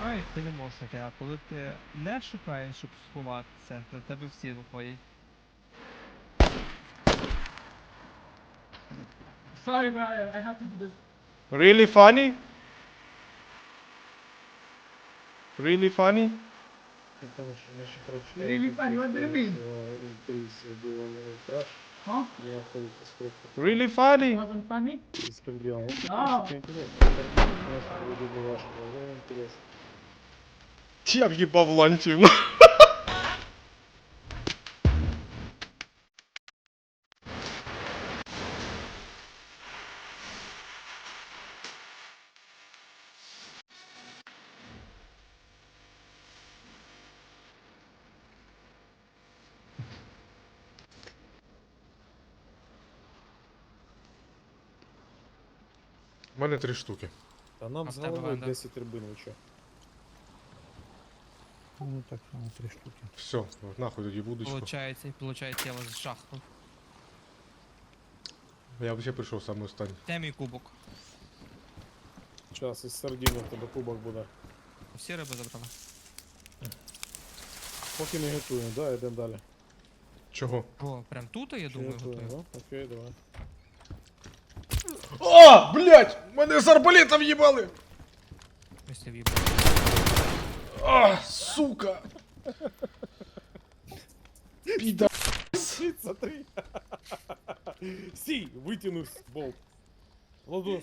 Буває переможники, а коли ти не шукаєш, щоб сховатися, то тебе всі виходять. Sorry, Brian, I have to do this. Really funny? Really funny? Really funny, what do you mean? Huh? Really funny? Wasn't funny? Я в'їбав ланців. У мене 3 штуки. Та нам А з в тебе, головою Ванда? 10 рибин, ви чо? Ну так само 3 штуки. Все, нахуй тоді будочку. Получається, я вас жахнув. Я взагалі прийшов саме останній. Де мій кубок? Час із сардіни в тебе кубок буде. Всі риби забрали. Поки не готуємо, да, йдемо далі. Чого? О, прям тут, я Чи думаю, готуємо, готую. да? Окей, давай. О, блядь! Мене з арбалета в'їбали! Ось я в'їбав. А, сука! Піда... Щит, смотри! Стій, витягнусь, болт. Ладос.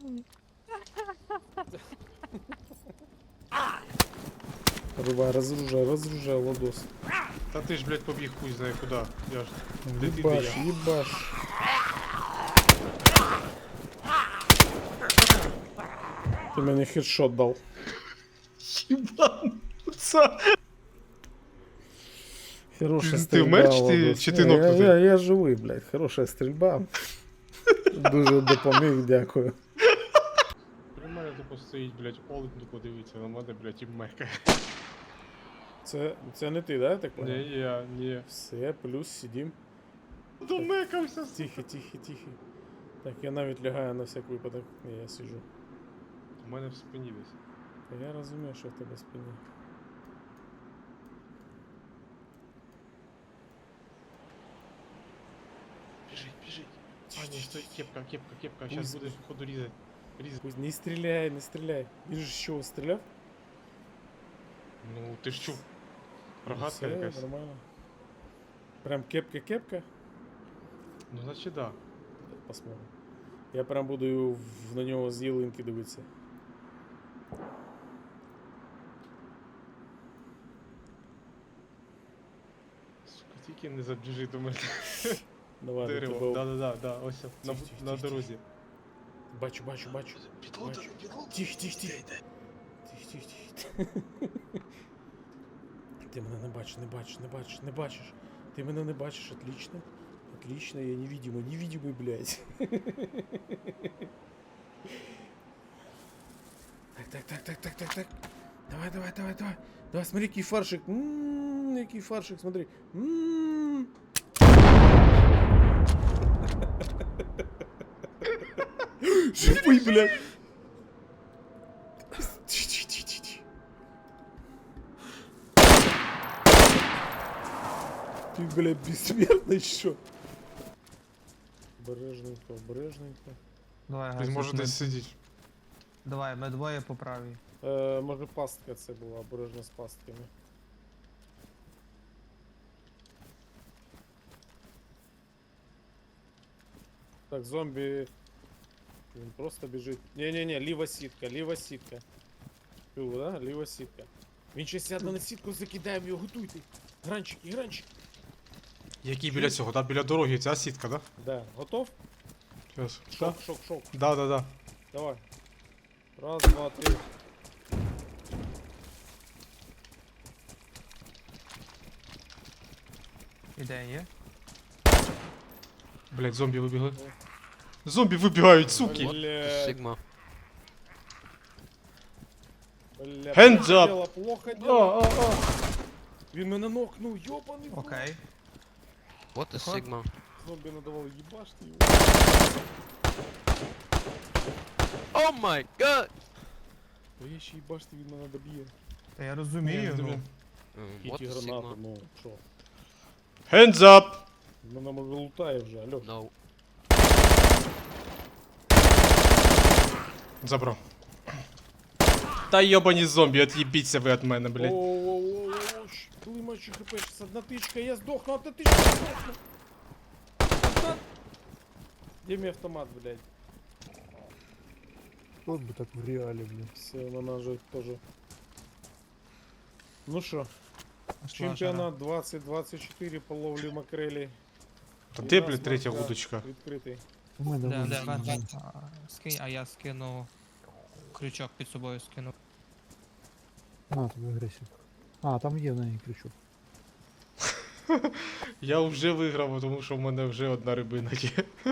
Рубай, разоружай, ладос. Та ти ж, блядь, побіг хуй знає куди. Я ж... Де ти, де Ебаш, я? ебаш. Ти мені хедшот дав. Єбануться! Хорошая Ти стрільба, вмер, чи ти- Владос. чи ти Ні, нокнутий? я живий, блядь. Хороша стрільба. Дуже допоміг, дякую. При мене тупо стоїть, блядь, олень тупо дивиться на мене, блядь, і мекає. Це не ти, да, я так Ні, понял? я, ні. Все, плюс сидім. Домекався. Тихо. Так, я навіть лягаю на всяк випадок. Ні, я сиджу. У мене в спині десь. Та я розумію, що в тебе в спині. Біжить. А, ні, стой, кепка. Щас буде походу різати. Пусть не стріляй. Він же з чого стріляв? Ну, ти ж чув. Рогатка Все, якась. нормально. Прям кепка? Ну, значить, да. Посмотрим. Я прям буду на нього з ялинки дивитися. Сука, тільки не забіжи до мене. Давай, до Дерево. тебе. Да, ось на дорозі. Бачу. Підлодер. Тихо. Ти мене не бачиш. Ти мене не бачиш, отлично. Отлично, я невидимый, блядь. Так. Давай, смотри, який фаршик. Який фаршик, смотри. Живий, блядь. Тихо. Ты, блядь, бессмертный, что? Обережненько. Давай, Він Гась, може ми- десь сидіти. Давай, ми двоє по правій. Може пастка це була, обережно з пастками. Так, зомбі. Він просто біжить. Не, ліва сітка. Чув, да? Ліва сітка. Він ще сяде на сітку, закидаємо його, готуйте. Гранчик. Який біля цього, да? Біля дороги, ця сітка, да? Да, готов? Щас. Шок. Да. Давай. Раз, два, три. Ідея є? Блядь, зомбі вибігли. Зомбі вибігають, суки! Блядь. Сигма. Бля, Hands плохо up. дело, плохо дело. Він мене нокнув, йобаний. в рот. Окей. Вот и Сигма. Зомбі надавав їбашти його. О май гад! Бо я ще й бачите, він мене доб'є. Та я розумію, Ні, ну. What Ті is гранати, Sigma? ну що? Hands up! Мене може лутає вже, алло. No. Забрав. Та йобані зомбі, от'їбіться ви від мене, блядь. Оу-оу-оу-оу, коли мачу хп, щас одна тичка, я здохну, одна тичка, я здохну. Где мой автомат, блядь? Вот бы так в реале, блин. Все, вона же тоже. Ну что, Пішла жара. чемпіонат 2024 по ловлі макрелі. Та І де, у нас блядь, третя марка вудочка? Відкритий. У мене Де, вон де, там, вон, скинь, а я скину крючок під собою скину. На тобі агресію. А, там є в неї крючок. Я вже виграв, тому що в мене вже одна рибина є.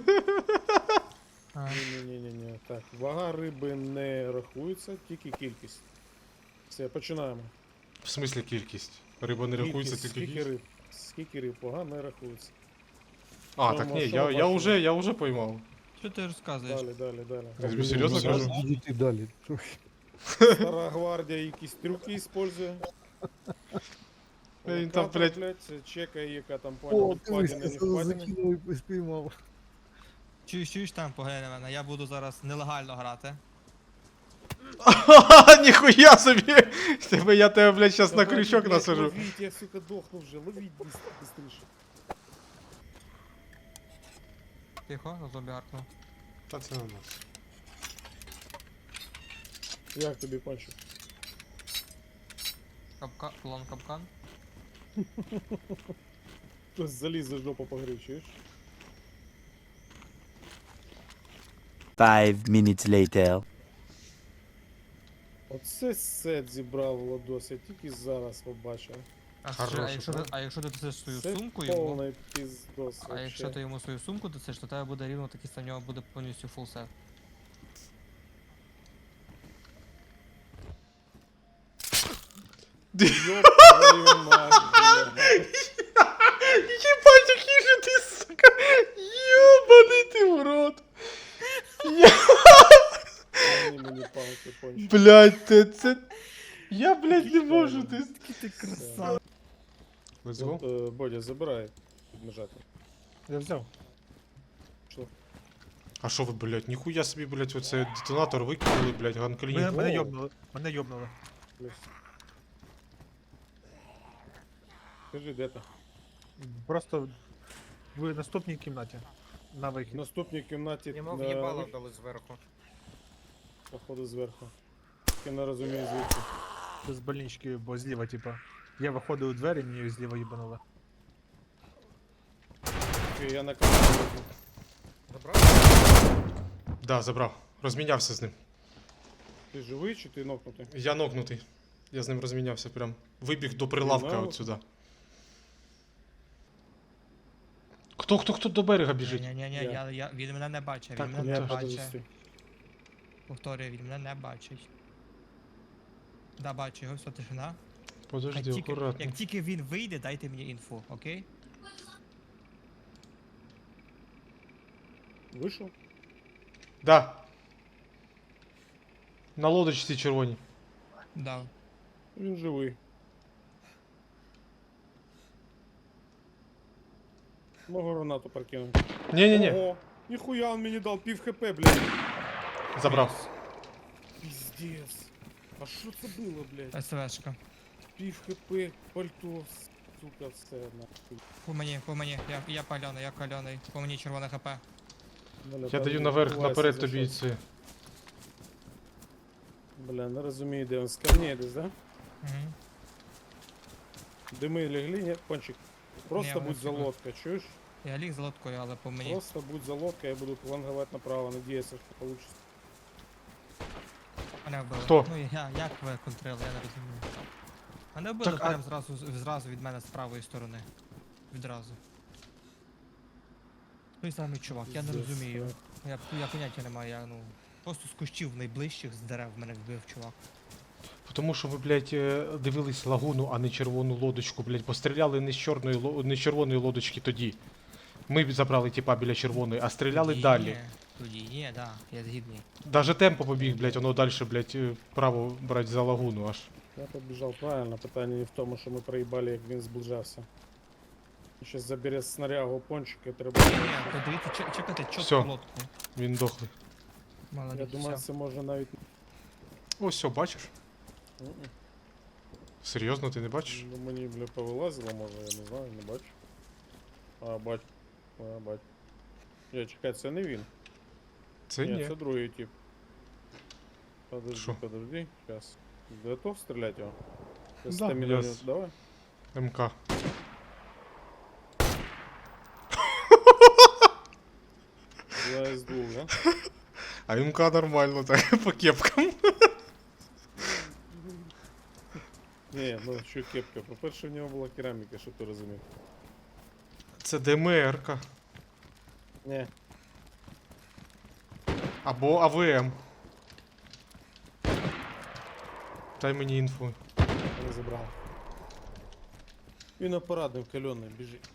А, Ні-ні-ні-ні. Так, вага риби не рахується, тільки кількість. Все, починаємо. В смислі кількість? Риба не рахується, Кількість, тільки скільки кількість. риб. Скільки риб, вага не рахується. А, Що так ми- ні, що я, ми я, бачимо? вже, я вже поймав. Що ти розказуєш? Далі. Я тобі серйозно Зараз кажу? Відійти далі. Стара гвардія якісь трюки использує. Він там, Локатор, блядь. це чекає, яка там О, понял, дивись, впадіна, я не це впадіна. закинув і спіймав. Чуєш там, поглянь на мене, я буду зараз нелегально грати. Ха-ха, ніхуя собі! Я тебе, блядь, щас на Давайте, крючок блядь, насажу. Ловіть, я, сука, дохну вже, ловіть быстріше. Тихо, на зомбі гаркнув. Та це на нас. Як тобі, Панчо? Клон капкан. Хтось заліз за жопу погрив, чуєш? 5 minutes later. Оце сет зібрав Владос, я тільки зараз побачив. А якщо ти дасиш свою Це сумку йому, повний піздос а вообще. якщо ти йому свою сумку дасиш, то тебе буде рівно такий, в нього буде повністю фул сет. Ёб твою мать, блядь. Єбать, який же ти, сука! Ёбаний ти в рот! Дай мені палки, Панчо. Блядь, це... Я, блядь, не можу, ти... Ти красава. Let's go. Бодя, забирай підмежати. Я взяв. А що ви, блядь, ніхуя собі, блядь, оце детонатор викинули, блядь, ганклін. Мене йобнули. Мене йобнули. Плюс. Скажи, де ти? Просто в наступній кімнаті. На В вихід. наступній кімнаті Йому на в'їбало вихід, дали зверху. походу зверху. Я не розумію звідки. З больнички, бо зліва, типа. Я виходив у двері, мені зліва їбанули. Окей, я на камеру. Забрав? Да, забрав. Розмінявся з ним. Ти живий чи ти нокнутий? Я нокнутий. Я з ним розмінявся прям. Вибіг до прилавка знав? от сюди. Хто до берега біжить? Ні-ні-ні, Я. він мене не бачить, Так, він ну, мене Я не подожди. бачить. Повторюю, він мене не бачить. Да, бачу його, все, тишина. Подожди, акуратно. Як тільки він вийде, дайте мені інфу, окей? Вийшов? Да. На лодочці червоній. Да. Він живий. Могу гранату прокинуть. Ні-ні-ні, Ого, ніхуя он мені дав пів хп, блядь. забрав. Пиздец. А що це було, блядь? СВшка. Пів хп, пальто, сука, все нахуй. По мені, я кальоний, по мені червоне хп. Бля, Я там даю наверх, відбувається наперед за тобі щось. це. Бля, не розумію, де він. З камней десь, да? Угу. Дими легли, ні? Пончик. Просто Ні, будь вони за сюди. лодка, чуєш? Я ліг з лодкою, але по мені. Просто будь за лодка, я буду фланговать направо, надіюся, що получится. Мене вбили. Хто? Ну як ви контрили, я не розумію. Мене вбили Так, а- прям зразу від мене з правої сторони. Відразу. Той самий чувак, я не Пиздец, розумію. так. Я поняття не маю, я просто з кущів найближчих з дерев мене вбив чувак. Тому що ви, блядь, дивились лагуну, а не червону лодочку, блядь, бо стріляли не з чорної не з червоної лодочки тоді. Ми забрали типа біля червоної, а стріляли Ні, далі. Тоді є, да, я згідний. Даже темпо побіг, блядь, воно далі, блядь, право брать за лагуну аж. Я побіжав правильно, питання не в тому, що ми проїбали, як він зближався. Щас забере снарягу пончика, треба. Ні, подивіться, чекайте Всьо. чітко лодку. Він дохлий. Молодець, Я думаю, всьо. це може навіть. Ось все, бачиш? Мгм. Серйозно, ти не бачиш? Ну, мені, бля, повилазило, може, я не знаю, не бачу. А, бачу. А, бачу. Я чекай, це не він. Це ні. Це другий тип. Подожди, Шо? подожди, сейчас. Готов стрелять его? Да, Стамина я у него- с- Давай. МК. Два из двух, да? А МК нормально, так, по кепкам. Не, ну що кепка. По-перше, в нього була кераміка, щоб ти розумів. Це ДМР-ка. Не, Або АВМ. Дай мені інфу. не забрав. Він апаратний, кальоний, біжить.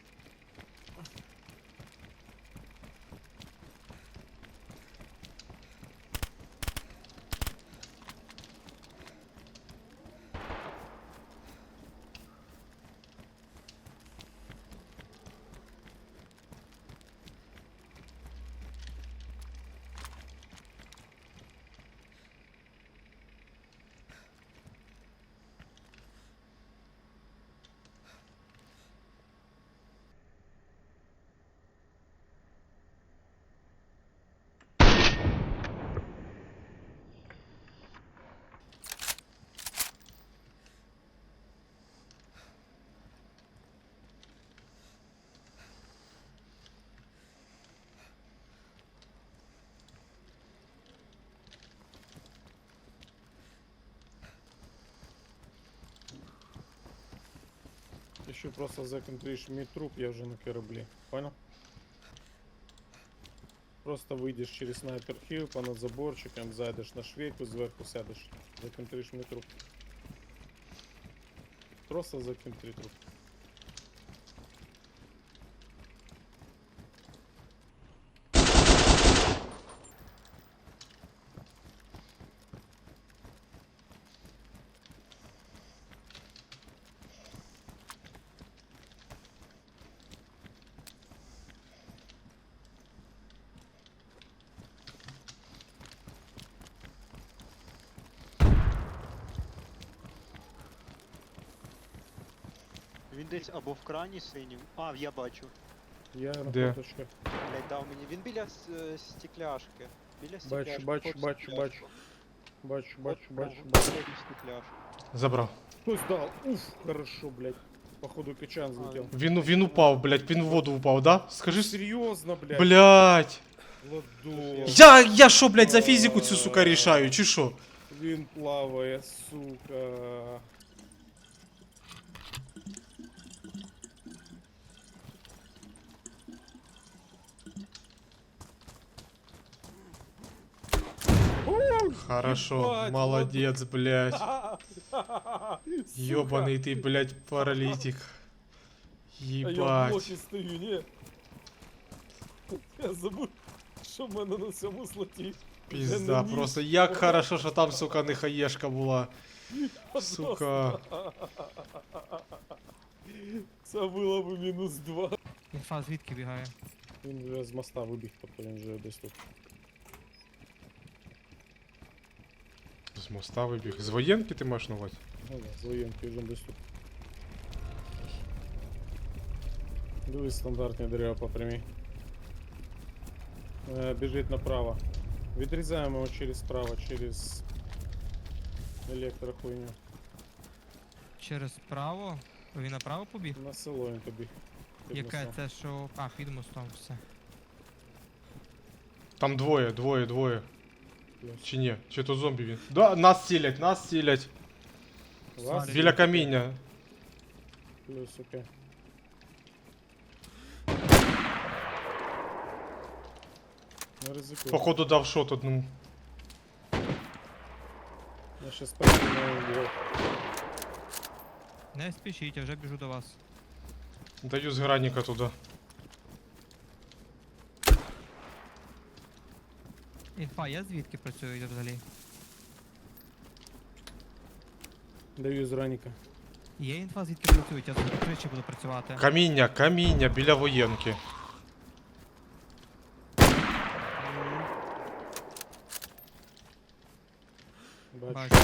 Еще просто законтришь мій труп, я вже на кораблі. Понял? Просто вийдеш через снайпер хіл, понад заборчиком, зайдеш на швейку, зверху сядеш. Законтриш мій труп. Просто законтри труп. Він десь або в крані синім. А, я бачу. Я на Де? фоточках. Блять, дав мені. Він біля стекляшки. Біля стекляшки. бачу, вход в бачу, стекляшку. Бачу, Вход бачу, бачу, в бачу. стекляшку. Забрав. Хтось дал. Уф, хорошо, блядь. Походу качан взлетел. Він упав, блядь, він в воду упав, да? Скажи. Серьезно, блядь. Блядь. Ладос. Я що, блядь, за фізику цю, сука, рішаю, чи що? Він плаває, сука. Хорошо, Ебать, молодец, блядь. Сука. Ёбаный ты, блядь, паралитик. А я в Ебать. блокі стою, ні. Я забув, що в мене на цьому слоті. Пизда, просто як хорошо, що там, сука, не хаєшка була. Сука. Це було б -2. Інфа звідки бігає? Він вже з моста вибіг, тобто він вже десь тут. З моста вибіг. З воєнки ти маєш на увазі? Ну да, з воєнки вже десь тут. Дивись, стандартні дерева по прямій. Біжить направо. Відрізаємо його через право, через електрохуйню. Через право? Він направо побіг? На село він побіг. Під Яке мостом. це що. А, під мостом все. Там двоє. Плюс. Чи ні? Чи то зомбі він? Да, нас цілять. Вас? Біля каміння. Плюс, окей. Не ризикуй. Походу дав шот одному. Я щас перекину його. Не спішіть, я вже біжу до вас. Даю з граніка туди. Інфа є звідки працюють взагалі? Даю з Раніка. Є інфа звідки працюють, я з тричі буду працювати. Каміння біля воєнки. Бачу. Бачу.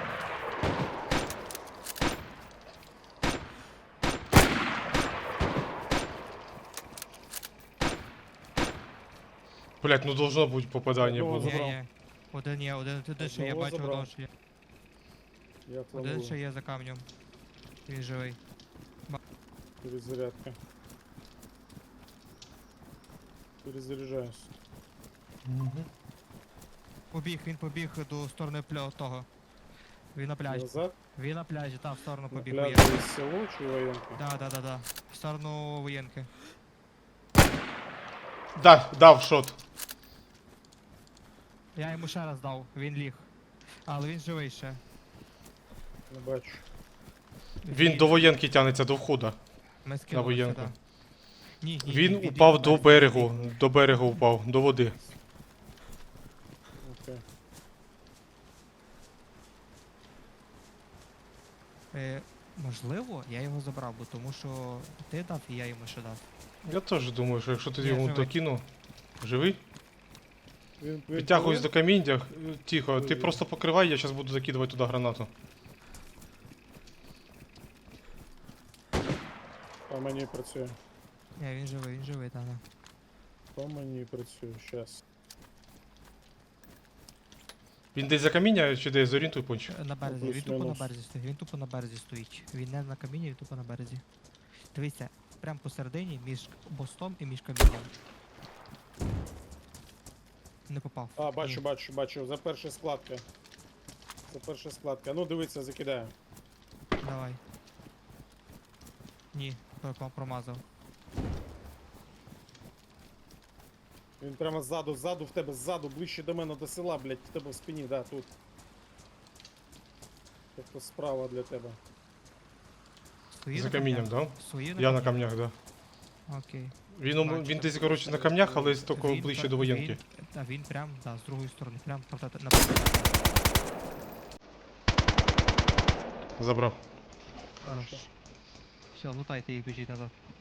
Блять, ну должно бути попадання Одного було. забрав. Є. Один є, один ще є, Одного бачу, забрав. одного ще є. Я Один фламую. ще є за камнем. Він живий. Перезарядка. Перезаряжаюсь. Мгм. Він побіг до сторони того. Він на пляжі. Назад. Він на пляжі, в сторону На побіг пляжі воєнки. є село чи воєнка? Да. В сторону воєнки. Дав шот. Я йому ще раз дав, він ліг. Але він живий ще. Не бачу. Він до воєнки тягнеться до входа. Ми скинули воєнку. сюди. Ні, Він ліг упав на до березі. берегу. До берегу впав, до води. Окей. Можливо, я його забрав, бо тому що ти дав і я йому ще дав. Я теж думаю, що якщо ти Ні, йому живий. докинув. Живий? Він Підтягуюсь до каміння. Тихо, ти Живий. просто покривай, я зараз буду закидувати туди гранату. По мені працює. Ні, він живий, так. По мені працює. Щас. Він десь за каміння чи десь зорієнтуй пончик. На березі, він тупо на плюс-мінус. березі стоїть, він тупо на березі стоїть. Він не на камінні, він тупо на березі. Дивіться, прямо посередині між мостом і між камінням. Не попав. А, бачу, Ні. бачу. За перша складка. За перша складка. Ну дивіться, закидаю. Давай. Ні, промазав. Він прямо ззаду в тебе, ззаду, ближче до мене, до села, блядь, в тебе в спині, да, тут. Тобто справа для тебе. Свої За на камінням, камнях? да? Свої Я на камнях, да. Окей. Він десь, коротше, на камнях, але тільки Він ближче пр- до воєнки. він прям, да, з другої сторони, прям на Забрав. Все, лутайте їх, біжіть назад.